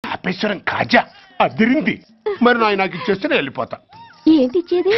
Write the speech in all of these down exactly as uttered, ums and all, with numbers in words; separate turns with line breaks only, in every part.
తాపేశ్వరం కాజా అదిరింది. మరి నాయ నాకు ఇచ్చేస్తే నేను వెళ్ళిపోతా.
ఏంటి ఇచ్చేది?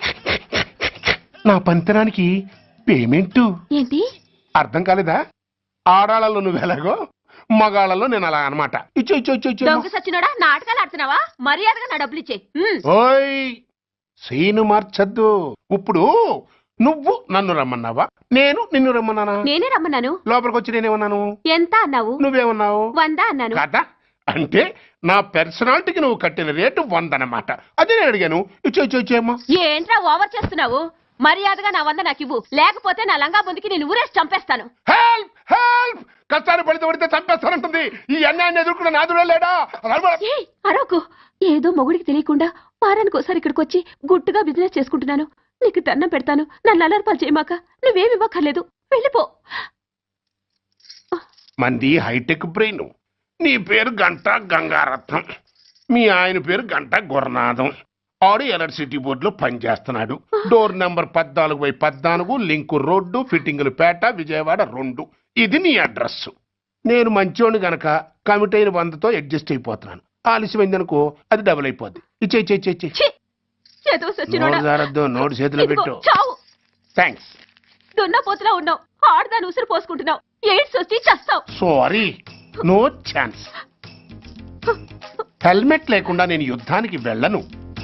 నా పంతనానికి పేమెంట్.
ఏంటి
అర్థం కాలేదా? ఆడాళ్ళలో నువ్వు ఎలాగో మగాళ్ళలో నేను అలా అనమాట. ఇచ్చో ఇచ్చో ఇచ్చో ఇచ్చో.
దొంగ సచ్చినోడా, నాటకాలు ఆడుతున్నావా? మర్యాదగా నా డబ్బులు ఇచ్చే.
ఓయ్ సీను మార్చద్దు. ఇప్పుడు నువ్వు నన్ను రమ్మన్నావా, నేను నిన్ను రమ్మన్నానా?
నేనే రమ్మన్నాను.
లోపలికి వచ్చి నేనేమన్నాను?
ఎంత అన్నావు?
నువ్వేమన్నావు?
వంద అన్నాను.
కదా అంటే నా పర్సనాలిటీకి నువ్వు కట్టిన రేటు వంద అన్నమాట. అదే నేను అడిగాను. ఇచ్చో ఇచ్చో ఇచ్చేమ్మా.
ఏంట్రా ఓవర్ చేస్తున్నావు? మర్యాదగా నా వంద నాకు ఇవ్వు, లేకపోతే నా లంగా బొందికి నేను ఊరేసి చంపేస్తాను.
Help help! కష్టాన్ని పడితే పడితే చంపేస్తానంటుంది. ఈ అన్యాయాన్ని ఎదుర్కొన్న నాదుడే లేడా?
అరవకు. ఏదో మొగుడికి తెలియకుండా వారానికి ఒకసారి ఇక్కడికి వచ్చి గుట్టుగా బిజినెస్ చేసుకుంటున్నాను. నీకు దండం పెడతాను, నన్ను అలర్పాలు చేయమాక. నువ్వేమి ఇవ్వక్కర్లేదు, వెళ్ళిపో.
మంది హైటెక్ బ్రెయిన్. నీ పేరు గంట గంగారత్నం, మీ ఆయన పేరు గంట గురునాథం. ఆడు ఎలక్ట్రిసిటీ బోర్డులో పనిచేస్తున్నాడు. డోర్ నెంబర్ పద్నాలుగు బై పద్నాలుగు, లింకు రోడ్డు, ఫిట్టింగులు పేట, విజయవాడ రెండు. ఇది నీ అడ్రస్. నేను మంచోని గనక కమిట్ అయిన వందతో అడ్జస్ట్ అయిపోతున్నాను. ఆలస్యమైందనుకో అది డబుల్ అయిపోద్ది. ఇచ్చే ఇచ్చే ఇచ్చే ఇచ్చే. నోటు చేతిలో పెట్టు. థ్యాంక్స్.
దున్నపోతులా ఉన్నావు, ఆడదాన్ని ఉసురు పోసుకుంటున్నావు. ఎయిడ్స్ వచ్చి చస్తావు.
Sorry, no chance. హెల్మెట్ లేకుండా నేను యుద్ధానికి వెళ్ళను.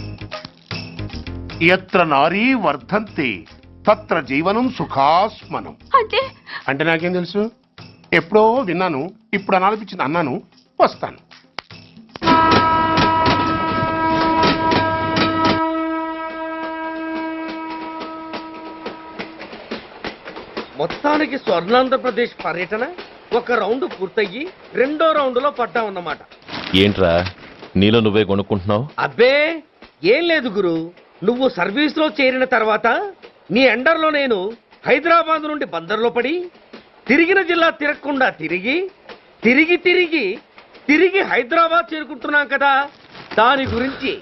ఎత్ర నారీ వర్ధంతి తత్ర జీవనం సుఖాస్మనం.
అంటే
అంటే నాకేం తెలుసు? ఎప్పుడో విన్నాను, ఇప్పుడు అనాలనిపించింది అన్నాను. వస్తాను.
మొత్తానికి స్వర్ణాంధ్రప్రదేశ్ పర్యటన ఒక రౌండ్ పూర్తయ్యి రెండో రౌండ్ లో పడ్డామన్నమాట.
ఏంట్రా నీలో నువ్వే కొనుక్కుంటున్నావు?
అబ్బే ఏం లేదు గురు, నువ్వు సర్వీస్ లో చేరిన తర్వాత నీ అండర్లో నేను హైదరాబాద్ నుండి బందర్లో పడి తిరిగిన జిల్లా తిరగకుండా తిరిగి తిరిగి తిరిగి తిరిగి హైదరాబాద్ చేరుకుంటున్నాం కదా, దాని గురించి.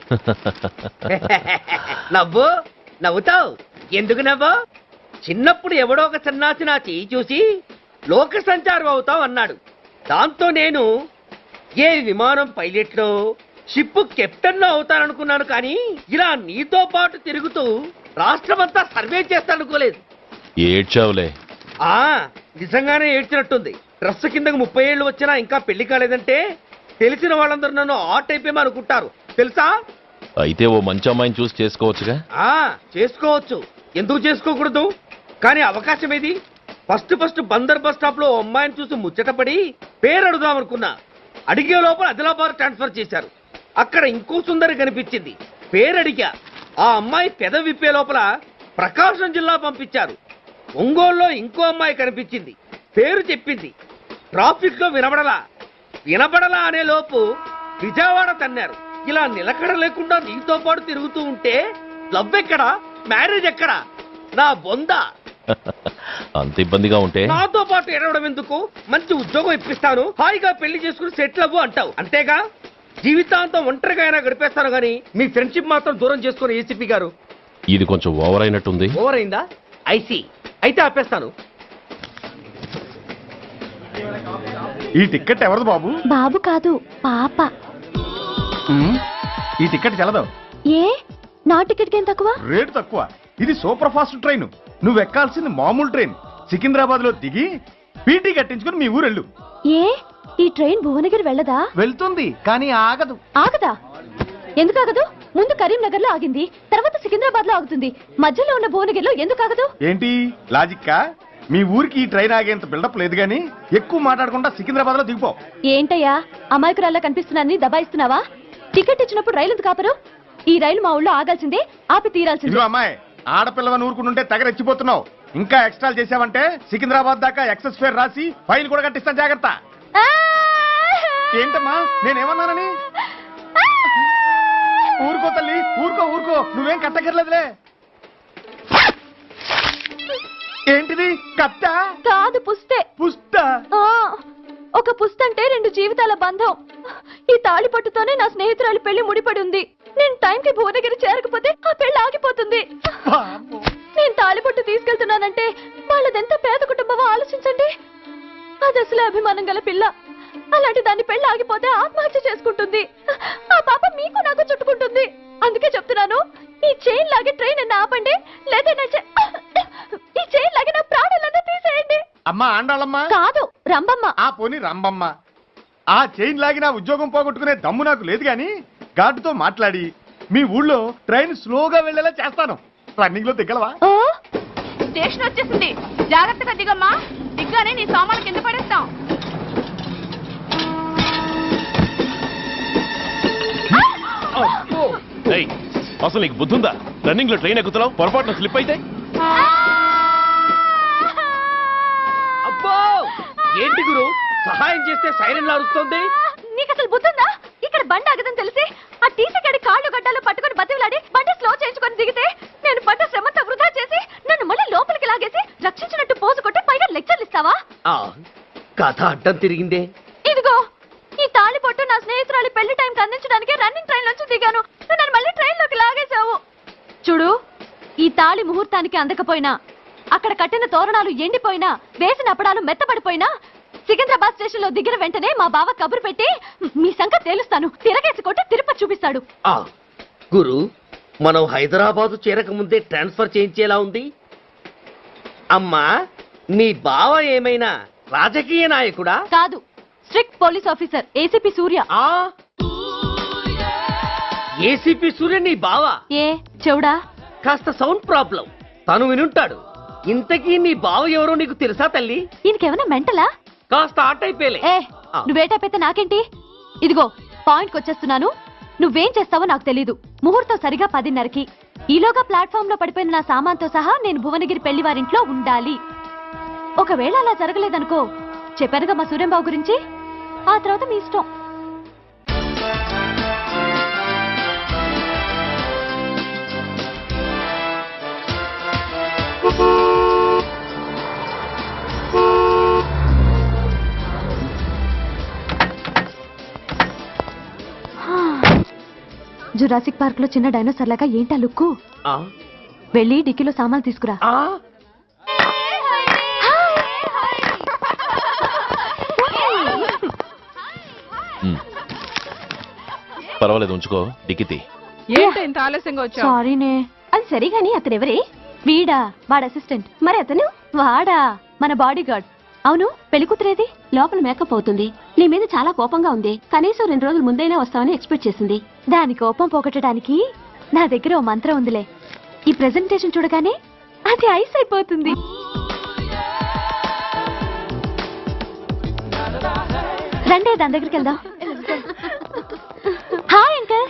నవ్వు నవ్వుతావు ఎందుకు నవ్వు? చిన్నప్పుడు ఎవడో ఒక సన్నాసి నా చేయి చూసి లోక సంచారం అవుతావు అన్నాడు. దాంతో నేను ఏ విమానం పైలట్లో షిప్ కెప్టెన్ లో అవుతాననుకున్నాను. కానీ ఇలా నీతో పాటు తిరుగుతూ రాష్ట్రమంతా సర్వే చేస్తాననుకోలేదు.
ఏడ్చావులే.
ఆ నిజంగానే ఏడ్చినట్టుంది. డ్రెస్ కిందకు ముప్పై ఏళ్ళు వచ్చినా ఇంకా పెళ్లి కాలేదంటే తెలిసిన వాళ్ళందరూ నన్ను ఆట్ అయిపోయి అనుకుంటారు తెలుసా?
అయితే ఓ మంచి అమ్మాయిని చూసి చేసుకోవచ్చుగా.
ఆ చేసుకోవచ్చు, ఎందుకు చేసుకోకూడదు? కానీ అవకాశం ఏది? First first Bandar bus stop లో అమ్మాయిని చూసి ముచ్చటపడి పేరు అడుగుదామనుకున్నా. అడిగే లోపల ఆదిలాబాద్ ట్రాన్స్ఫర్ చేశారు. అక్కడ ఇంకో సుందరి కనిపించింది, పేరు అడిగా. ఆ అమ్మాయి పెద విప్పే లోపల ప్రకాశం జిల్లా పంపించారు. ఒంగోలులో ఇంకో అమ్మాయి కనిపించింది, పేరు చెప్పింది. ట్రాఫిక్ లో వినబడలా వినబడలా అనే లోపు విజయవాడ తన్నారు. ఇలా నిలకడ లేకుండా నీతో పాటు తిరుగుతూ ఉంటే లవ్ ఎక్కడా, మ్యారేజ్ ఎక్కడా? నా బొంద.
అంత ఇబ్బందిగా ఉంటే
నాతో పాటు ఎడవడం ఎందుకు? మంచి ఉద్యోగం ఇప్పిస్తాను, హాయిగా పెళ్లి చేసుకుని సెటిల్ అవ్వు అంటావు అంతేగా. జీవితాంతం ఒంటరిగా అయినా గడిపేస్తాను గానీ మీ ఫ్రెండ్షిప్ మాత్రం దూరం చేసుకుని ఏసీపీ గారు.
ఇది కొంచెం ఓవర్ అయినట్టుంది.
ఓవర్ అయిందా? ఐసీ అయితే ఆపేస్తాను.
ఈ టికెట్ ఎవరిది బాబు?
బాబు కాదు, పాప.
ఈ టికెట్ చెల్లదు.
ఏ నా టికెట్ ఏం తక్కువ?
రేటు తక్కువ. ఇది సూపర్ ఫాస్ట్ ట్రైన్. నువ్వు ఎక్కాల్సింది మామూలు ట్రైన్. సికింద్రాబాద్ లో దిగి పీటీ కట్టించుకుని మీ ఊరెళ్ళు.
ఏ ఈ ట్రైన్ భువనగిరి వెళ్ళదా?
వెళ్తుంది కానీ ఆగదు.
ఆగదా? ఎందుకు ఆగదు? ముందు కరీంనగర్ లో ఆగింది, తర్వాత సికింద్రాబాద్ లో ఆగుతుంది. మధ్యలో ఉన్న భువనగిరిలో ఎందుకు ఆగదు?
ఏంటి లాజిక్కా? మీ ఊరికి ఈ ట్రైన్ ఆగేంత బిల్డప్ లేదు గానీ ఎక్కువ మాట్లాడకుండా సికింద్రాబాద్ లో దిగిపో.
ఏంటయ్యా అమాయకురాల్లా కనిపిస్తున్నాన్ని దబాయిస్తున్నావా? టికెట్ ఇచ్చినప్పుడు రైలు ఎందుకు ఆపరు? ఈ రైలు మా ఊళ్ళో ఆగాల్సిందే, ఆపి తీరాల్సిందే.
అమ్మాయి ఆడపిల్లవని ఊరుకుంటుంటే తెగరెచ్చిపోతున్నావు. ఇంకా ఎక్స్ట్రా చేసావంటే సికింద్రాబాద్ దాకా ఎక్సెస్ ఫేర్ రాసి ఫైల్ కూడా కట్టిస్తాను, జాగ్రత్త. ఏంటమ్మా నేనేమన్నానని? ఊరుకో తల్లి, ఊరుకో ఊరుకో, నువ్వేం కట్టకర్లేదులే. ఏంటిది? కట్ట
కాదు, పుస్తే.
పుస్త?
ఒక పుస్తంటే రెండు జీవితాల బంధం. ఈ తాళి పట్టుతోనే నా స్నేహితురాలి పెళ్లి ముడిపడి ఉంది. నేను టైంకి భువనగిరి చేరకపోతే ఆ పెళ్లి ఆగిపోతుంది. నేను తాళిపట్టు తీసుకెళ్తున్నానంటే వాళ్ళదెంత పేద కుటుంబమో ఆలోచించండి. అది అసలు అభిమానం గల పిల్ల. అలాంటి దాన్ని పెళ్లి ఆగిపోతే ఆత్మహత్య చేసుకుంటుంది. ఆ పాప మీకు నాకు చుట్టుకుంటుంది. అందుకే చెప్తున్నాను, ఈ చైన్ లాగి ట్రైన్ అన్న ఆపండి, లేదా నా చే- ఈ చైన్ లాగి నా ప్రాణాలన్నా తీసేయండి.
అమ్మా ఆండాళమ్మా,
కాదు రంబమ్మ.
ఆ పోని రంబమ్మ, ఆ చైన్ లాగి నా ఉద్యోగం పోగొట్టుకునే దమ్ము నాకు లేదు గాని గార్డుతో మాట్లాడి మీ ఊళ్ళో ట్రైన్ స్లోగా వెళ్ళేలా చేస్తాను. రన్నింగ్ లో దిగలవా?
ఓ,
స్టేషన్ వచ్చేసింది, జాగ్రత్తగా దిగమ్మా. దిగ్గానే నీ సామాన్లు కింద పడేస్తాం.
ఏయ్, అసలు నీకు బుద్ధుందా? రన్నింగ్ లో ట్రైన్ ఎక్కుతున్నావు, పొరపాటున స్లిప్ అయితే
అబ్బో ఏంటి గురు, సహాయం చేస్తే సైరన్ అరుస్తోంది.
నీకు అసలు బుద్ధుందా? ఇక్కడ బండి ఆగదని తెలిసి ఆ టీసీ గడి కాళ్ళు గడ్డాలు పట్టుకొని బతిలాడి బండి స్లో చేయించుకొని దిగితే నేను పడ్డ శ్రమంతా వృధా చేసి నన్ను మళ్ళీ లోపలికి లాగేసి రక్షించినట్టు పోజు కొట్టి పైగా లెక్చర్లు ఇస్తావా?
ఆ కథ అడ్డం తిరిగిందే.
ఇదిగో ఈ తాళి పొట్టు నా స్నేహితురాలి పెళ్లి టైంకి అందించడానికి రన్నింగ్ ట్రైన్ నుంచి దిగాను. నువ్వు నన్ను మళ్ళీ ట్రైన్ లోకి లాగేశావు. చూడు, ఈ తాళి ముహూర్తానికి అందకపోయినా, అక్కడ కట్టిన తోరణాలు ఎండిపోయినా, వేసిన అప్పడాలు మెత్తబడిపోయినా, సికింద్రాబాద్ స్టేషన్ లో దిగిన వెంటనే మా బావ కబురు పెట్టి మీ సంగతి తేలుస్తాను, తిరగేసి కొట్టి తిరుపతి చూపిస్తాడు.
ఆ గురు, మనం హైదరాబాదు చేరక ముందే ట్రాన్స్ఫర్ చేయించేలా ఉంది. అమ్మా, నీ బావ ఏమైనా రాజకీయ నాయకుడా?
కాదు, strict police officer ACP Surya.
ఆ ఏసీపీ సూర్య నీ బావ?
ఏ చెవుడా?
కాస్త సౌండ్ ప్రాబ్లం, తను వినుంటాడు. ఇంతకీ నీ బావ ఎవరో నీకు తెలుసా తల్లి?
ఈయనకేమైనా మెంటలా?
కాస్త ఆట అయిపోయలే.
ఏ నువ్వేటైపోతే నాకేంటి? ఇదిగో పాయింట్కి వచ్చేస్తున్నాను. నువ్వేం చేస్తావో నాకు తెలీదు. ముహూర్తం సరిగా పదిన్నరకి. ఈలోగా ప్లాట్ఫామ్ లో పడిపోయిన నా సామాన్తో సహా నేను భువనగిరి పెళ్లి వారింట్లో ఉండాలి. ఒకవేళ అలా జరగలేదనుకో, చెప్పానుగా మా సూర్యంబాబు గురించి, ఆ తర్వాత మీ ఇష్టం. జురాసిక్ పార్క్ లో చిన్న డైనోసార్ లాగా ఏంటా లుక్కు?
ఆ
వెళ్ళి డిక్కీలో సామాన్లు తీసుకురా.
ఆ
ఉమ్. పర్వాలేదు, ఉంచుకో. డిక్కితి
ఏంటి ఇంత ఆలస్యంగా వచ్చావు?
సారీనే. అది సరిగాని అతనెవరే? వీడా, వాడ అసిస్టెంట్. మరి అతను? వాడా మన బాడీ గార్డ్. అవును, పెళ్లి కూతురేది? లోపల మేకప్ అవుతుంది. నీ మీద చాలా కోపంగా ఉంది. కనీసం రెండు రోజుల ముందైనా వస్తావని ఎక్స్పెక్ట్ చేసింది. దాని కోపం పోగొట్టడానికి నా దగ్గర ఓ మంత్రం ఉందిలే. ఈ ప్రెజెంటేషన్ చూడగానే అది ఐస్ అయిపోతుంది. రండి, దాని దగ్గరికి వెళ్దాం. Hi uncle.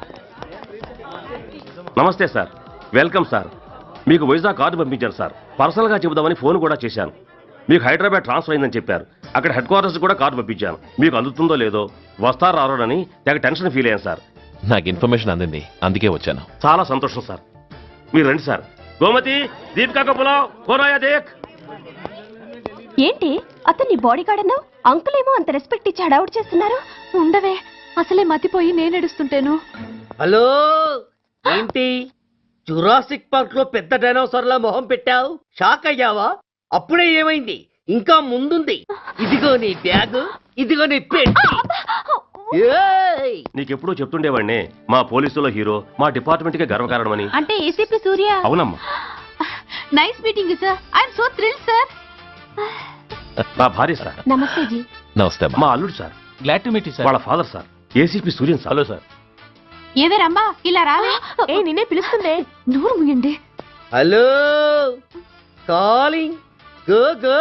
నమస్తే సార్, వెల్కమ్ సార్. మీకు వైజాగ్ కార్డు పంపించాను సార్. పర్సనల్ గా చెబుదామని ఫోన్ కూడా చేశాను. మీకు హైదరాబాద్ ట్రాన్స్ఫర్ అయిందని చెప్పారు. అక్కడ హెడ్ క్వార్టర్స్ కూడా కార్డు పంపించాను. మీకు అందుతుందో లేదో, వస్తారో రారోనని తెగ టెన్షన్ ఫీల్ అయ్యాను సార్.
నాకు ఇన్ఫర్మేషన్ అందింది, అందుకే వచ్చాను.
చాలా సంతోషం సార్. మీరు రండి సార్. గోమతి, దీపికా కపులావ్, కోనాయా దేక్.
ఏంటి అతన్ని బాడీ గార్డ్ అన్నావు? అంకుల్ ఏమో అంత రెస్పెక్ట్ ఇచ్చి హడావుడు చేస్తున్నారు. ఉండవే, అసలే మతిపోయి నేను ఎడుస్తుంటేను.
హలో, ఏంటి జురాసిక్ పార్క్ లో పెద్ద డైనోసార్ లా మొహం పెట్టావు? షాక్ అయ్యావా? అప్పుడే ఏమైంది? ఇంకా ముందుంది. ఇదిగో నీ బ్యాగ్, ఇదిగో నీ పెట్టి. ఏయ్!
నీకెప్పుడూ చెప్తుండేవాడినే, మా పోలీసులో హీరో, మా డిపార్ట్మెంట్ కి గర్వకారణమని.
అంటే ఏసీపీ సూర్య.
అవునమ్మా.
Nice meeting sir. I'm so thrill sir.
నా భార్య సార్.
నమస్తే జీ.
నమస్తే అమ్మా.
మా అల్లుడు sir.
Glad to meet you sir.
వాళ్ళ father sir, ACP Suryan sir.
Hello sir.
ఏవే రమ్మా, ఇలా రావే.
ఏ నిన్నే పిలుస్తుందే. నూరు ముయండి.
Hello, calling. Go go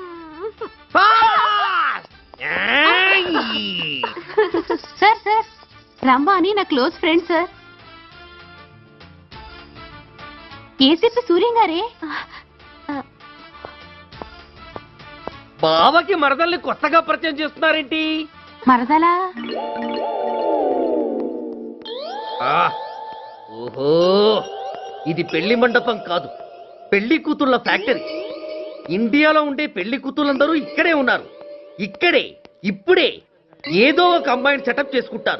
fast. ఏయ్!
సార్ సార్, రమ్మ అని నా close friend sir. ACP Suryam గారే.
బావకి మరదల్ని కొత్తగా పరిచయం చేస్తున్నారేంటి?
మరదలా?
ఆ, ఓహో, ఇది పెళ్లి మండపం కాదు, పెళ్లి కూతుళ్ళ ఫ్యాక్టరీ. ఇండియాలో ఉండే పెళ్లి కూతుళ్ళందరూ ఇక్కడే ఉన్నారు. ఇక్కడే ఇప్పుడే ఏదో ఒక అమ్మాయిని సెటప్ చేసుకుంటారు.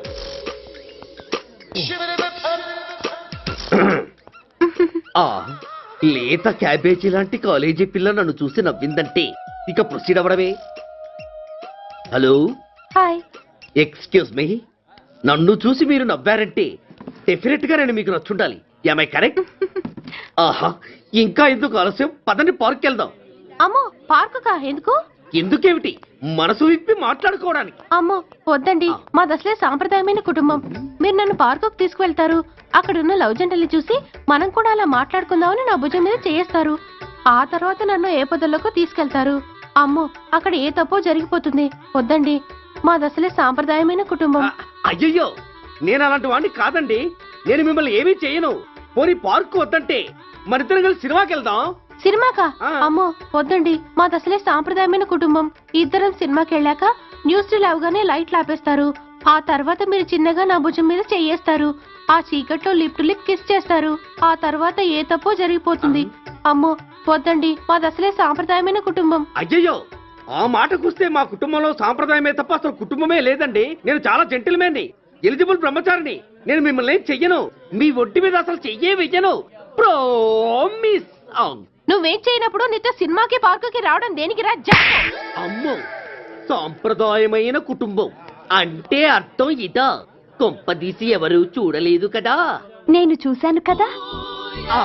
ఆ లేత క్యాబేజీ లాంటి కాలేజీ పిల్ల నన్ను చూసి నవ్విందంటే ఇక ప్రొసీడ్ అవ్వడమే. Hello,
hi.
ఎక్స్క్యూజ్ మీ, నన్ను చూసి మీరు నవ్వారంటే డెఫినెట్ గా నేను మీకు నచ్చుండాలి. I correct? ఆహా, ఇంకా ఎందుకు ఆలస్యం? పదండి పార్క్ వెళ్దాం.
అమ్మో పార్కు కా ఎందుకు?
ఎందుకేమిటి, మనసు విప్పి మాట్లాడుకోవడానికి.
అమ్మో వద్దండి, మాది అసలే సాంప్రదాయమైన కుటుంబం. మీరు నన్ను పార్కుకు తీసుకువెళ్తారు, అక్కడున్న లవ్ జంటలు చూసి మనం కూడా అలా మాట్లాడుకుందామని నా భుజం మీద చేయిస్తారు. ఆ తర్వాత నన్ను ఏ పొదల్లోకి తీసుకెళ్తారు. అమ్మో అక్కడ ఏ తప్పో జరిగిపోతుంది. వద్దండి, మాది అసలే సాంప్రదాయమైన కుటుంబం.
అ- అయ్యయ్యో, నేను అలాంటి వాడిని కాదండి. నేను మిమ్మల్ని ఏమీ చేయను. పోనీ పార్క్ వద్దంటే మరిద్దరం కలిసి సినిమాకి వెళ్దాం.
సినిమాకా?
ఆ.
అమ్మో వద్దండి, మాది అసలే సాంప్రదాయమైన కుటుంబం. ఇద్దరం సినిమాకి వెళ్ళాక న్యూస్ లేవగానే లైట్లు ఆపేస్తారు. ఆ తర్వాత మీరు చిన్నగా నా భుజం మీద చెయ్యేస్తారు. ఆ చీకట్లో లిప్ టు లిప్ కిస్ చేస్తారు. ఆ తర్వాత ఏ తప్పో జరిగిపోతుంది. అమ్మో వద్దండి, మాది అసలే సాంప్రదాయమైన కుటుంబం.
అయ్యయ్యో, ఆ మాటకొస్తే మా కుటుంబంలో సాంప్రదాయమే తప్ప అసలు కుటుంబమే లేదండి. నేను చాలా జెంటిల్మెన్ని, ఎలిజిబుల్ బ్రహ్మచారిని. నేను మిమ్మల్ని ఏం చెయ్యను. మీ ఒంటి మీద అసలు చెయ్యే వెయ్యను. ప్రామిస్.
నువ్వేం చేయనప్పుడు నీతో సినిమాకి పార్కుకి రావడం దేనికి రా? జా-
అమ్మో, సాంప్రదాయమైన కుటుంబం అంటే అర్థం ఇదా? కొంపదీసి ఎవరు చూడలేదు కదా?
నేను చూశాను కదా.
ఆ.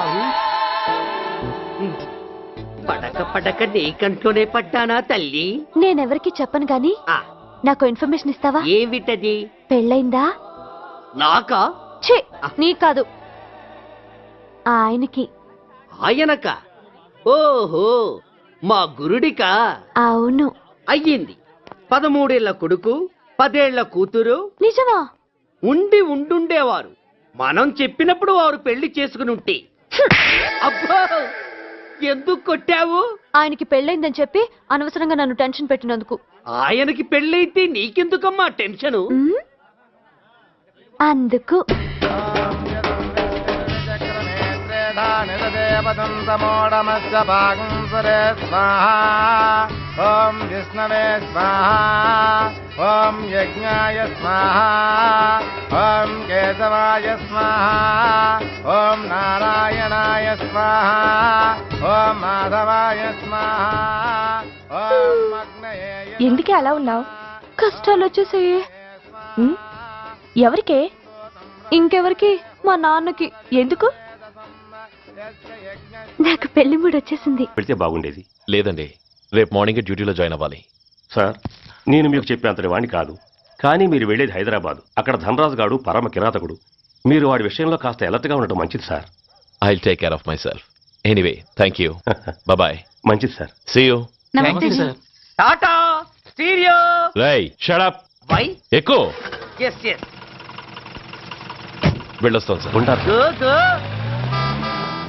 పడక పడక నీ కంట్లోనే పడ్డానా తల్లి?
నేనెవరికి చెప్పను గాని
ఆ,
నాకు ఇన్ఫర్మేషన్ ఇస్తావా?
ఏమిటది?
పెళ్ళైందా?
నాకా?
ఛీ, నీ కాదు, ఆయనకి.
ఆయనక? ఓహో, మా గురుడికా?
అవును.
అయ్యింది. పదమూడేళ్ల కొడుకు, పదేళ్ల కూతురు
నిజమా?
ఉండి ఉండుండేవారు. మనం చెప్పినప్పుడు వారు పెళ్లి చేసుకుని ఉంటే. అబ్బో, ఎందుకు కొట్టావు?
ఆయనకి పెళ్ళైందని చెప్పి అనవసరంగా నన్ను టెన్షన్ పెట్టినందుకు.
ఆయనకి పెళ్ళైతే నీకెందుకమ్మా టెన్షను?
ఉమ్, అందుకు.
ఓం విష్ణవే స్వాహా. ఓం యజ్ఞాయ స్వాహా. ఓం కేశవాయ స్వాహా. ఓం నారాయణాయ స్వాహా. ఓం మాధవాయ స్వాహా. ఓం అగ్నయే.
ఎందుకే అలా ఉన్నావు? కష్టాలు వచ్చేసాయి. ఉమ్, ఎవరికే? ఇంకెవరికి? మా నాన్నకి. ఎందుకు? నాకు పెళ్లి మూడు వచ్చేసింది.
పెడితే బాగుండేది.
లేదండి, రేపు మార్నింగ్ డ్యూటీలో జాయిన్ అవ్వాలి.
సార్, నేను మీకు చెప్పేంతటి వాణ్ణి కాదు. కానీ మీరు వెళ్ళేది హైదరాబాద్. అక్కడ ధనరాజు గాడు పరమ కిరాతకుడు. మీరు వాడి విషయంలో కాస్త అలర్ట్గా ఉండటం మంచిది sir.
I will take care of myself. Anyway, thank you. Bye.
మంచిది sir.
See you.
Tata stereo.
రేయ్, షట్ అప్.
వై?
ఎక్కువ
ఎస్ ఎస్.
వెళ్ళొస్తాను సార్.
ఉంటారు.
Go go.